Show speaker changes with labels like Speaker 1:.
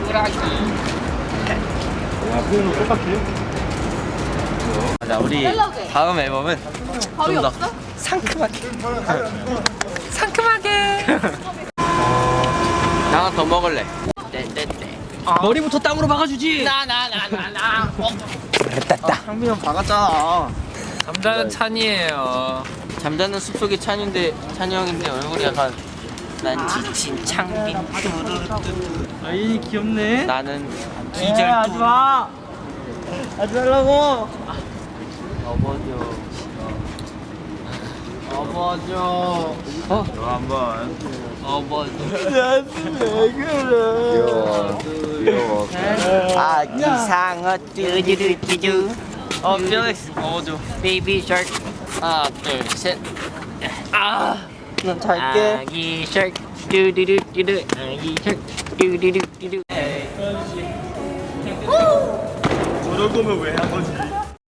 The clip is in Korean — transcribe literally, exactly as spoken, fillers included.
Speaker 1: 꾸라기.
Speaker 2: 야, 표현은 똑같아요?
Speaker 3: 자, 우리 다음 앨범은
Speaker 1: 밥이
Speaker 3: 좀 더
Speaker 1: 없어?
Speaker 3: 상큼하게 상큼하게 나 하나 더 먹을래. 떼떼떼 머리부터 땅으로 박아주지.
Speaker 1: 나나나나나.
Speaker 3: 됐다.
Speaker 2: 상빈 형 박았잖아.
Speaker 4: 잠자는 찬이에요.
Speaker 3: 잠자는 숲속의 찬인데 찬이 형인데 얼굴이 약간 난 지친 창빈 뚜루루뚜루.
Speaker 2: 아이 귀엽네.
Speaker 3: 나는
Speaker 2: 기절
Speaker 3: 기절
Speaker 2: 하지 마. 하지 말라고.
Speaker 3: 업어줘. 업어줘. 어?
Speaker 2: 너 한번.
Speaker 3: 업어줘.
Speaker 2: 왜 그래? 귀여워.
Speaker 3: 아기 상어 뚜루루뚜루. 어, 필릭스 업어줘. 베이비 샤크. 하나, 둘, 셋. 아, 난 잘게. 아기 샤크 뚜루루뚜루. 아기 샤크 뚜루루뚜루.
Speaker 2: 저 정도면 왜 한 거지?